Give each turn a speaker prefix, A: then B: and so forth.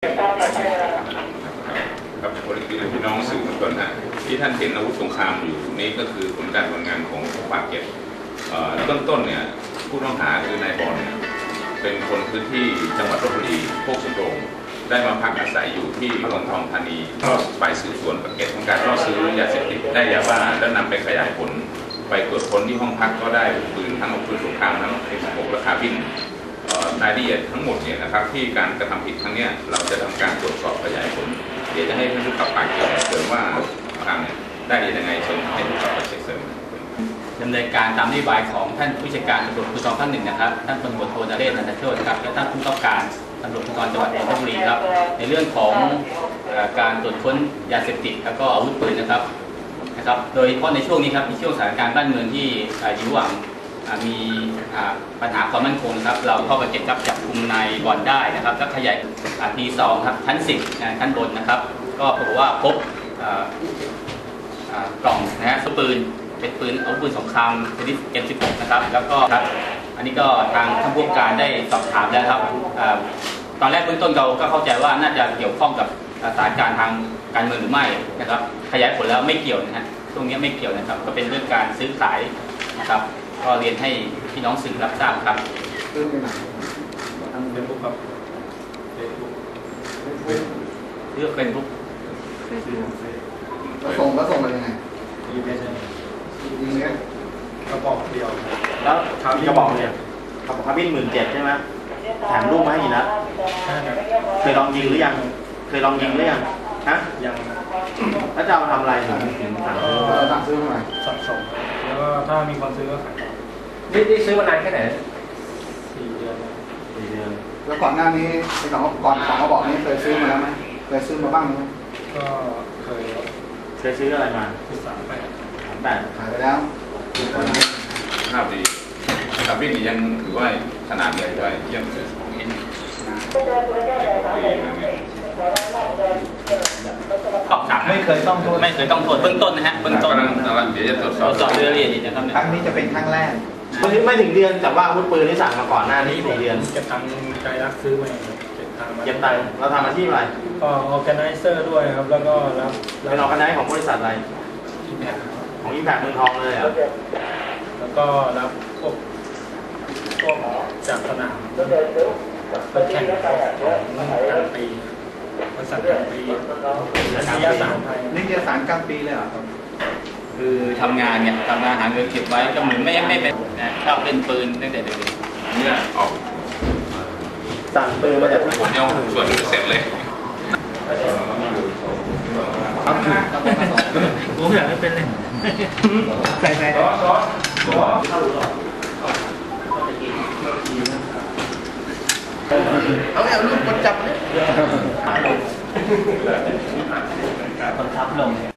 A: ครับบริการพี่น้องสื่อมวลชนฮะที่ท่านเห็นอาวุธสงครามอยู่นี่ก็คือผลการทำงานของปากเก็บต้นเนี่ยผู้ต้องหาคือนายบอลเนี่ยเป็นคนพื้นที่จังหวัดลบบุรีโคกสำโรงได้มาพักอาศัยอยู่ที่เมืองทองธานีก็ฝ่ายสืบสวนปากเก็บทำการล่อซื้อยาเสพติดได้ยาบ้าแล้วนำไปขยายผลไปตรวจค้นที่ห้องพักก็ได้ปืนทั้งอาวุธปืนสงครามทั้งM16และคาร์บินรายละเอียดทั้งหมดเนี่ยนะครับที่การกระทำผิดครั้งนี้เราจะทำการตรวจสอบขยายผลเดี๋ยวจะให้ท่านผู้กำกับปากเก็บเสริมว่าทางเนี่ยได้ยังไงเชิญให้ผู้กำกับปากเก็บเสริม
B: ดำเนินการตามนโยบายของท่านผู้จัดการตำรวจภูธรภาคหนึ่งนะครับท่านพลตำรวจโทนเรศ นันทโชติครับและท่านผู้กำกับการตำรวจภูธรจังหวัดนนทบุรีครับในเรื่องของการตรวจค้นยาเสพติดแล้วก็อาวุธปืนนะครับโดยเฉพาะในช่วงนี้ครับในช่วงสถานการณ์บ้านเมืองที่อยู่ระหว่างมีปัญหาความมั่นคงครับเราเข้าไปเก็บจับกุมนายบอลได้นะครับและขยายที2ครับชั้น10ชั้นบนนะครับก็ปรากฏว่าพบกล่องนะฮะปืนเป็นปืนอาวุธปืนสงครามชนิด M16 นะครับแล้วก็ครับอันนี้ก็ทางท่านผู้การได้สอบถามแล้วครับตอนแรกเบื้องต้นเราก็เข้าใจว่าน่าจะเกี่ยวข้องกับสถานการณ์ทางการเมืองหรือไม่นะครับขยายผลแล้วไม่เกี่ยวนะฮะตรงนี้ไม่เกี่ยวนะครับก็เป็นเรื่องการซื้อขายนะครับก็เรียนให้พี่น้องสื่อรับทราบครับ
C: เรื่องไหน
B: ทางเฟซบุ๊กครับเลือกเฟซบุ๊ก
C: แล้วส่งมายังไงยิงเนี้ย
D: กระบอกเดียว
E: แล้วกระบอกเนี่ยกระบอกคาร์บิน17,000ใช่ไหมแถมลูกมาให้อีกแล้วเคยลองยิงหรือยังฮะ
D: ยัง
E: แล้วจะเอาทำอะไรถึง
C: สั่งซื้อมา
D: สะสมแล้วก็ถ้ามีคนซื้อก็ขายต่อ
B: นี่ซื้อมานานแค่ไหน
D: 4 เดือน
C: แล้วก่อนหน้านี้ไอ้ของกระบอกนี้เคยซื้อมาแล้วไหมเคยซื้อมาบ้างไหม
D: ก็เคย
E: ซื้ออะไรมา
C: ขายไปแล้ว
A: ภาพดีคาร์บินยังถือว่าขนาดใหญ่ด้วยยัง
B: ไม่เคยต้องโทษเบื้องต้นนะฮะเบื้องต้น
A: เดี๋ยวจะตรวจสอบ
B: เรื่องละเอียดนะครับ
C: ครั้งนี้จะเป็นครั้งแรก
E: ไม่ถึงเดือนแต่ว่าอาวุธปืนที่สั่งมาก่อนหน้านี้4 เดือน
D: เก็บตังค์ใจรักซื้อมา
E: เก็บตังค์เราทำอาชีพอะไร
D: ก็ออร์แกไนเซอร์ด้วยครับแล้วก็
E: เป็นออร์แกไนซ์ของบริษัทอะไรของImpactเมืองทองเลยอ่ะ
D: แล้วก็รับพวกจากสนามไปแข่งกลางปีบริษัทกลางปีนิยสารไทย
C: นิยสารกลางปีเลยเหรอครับ
B: คือทำงานหาเงินเก็บไว้ก็เหมือนไม่เป็นชอบเล่นปืนตั้งแต่เด็ก
A: ๆเนี่ยออก
E: สั่งปืนมาจาก
A: ผมยังส่วนเสร็จเลย
B: ผมอยากให้เป็นเลย
C: ใส่เอาลูกคนจับเนี่ย
B: คนทับลง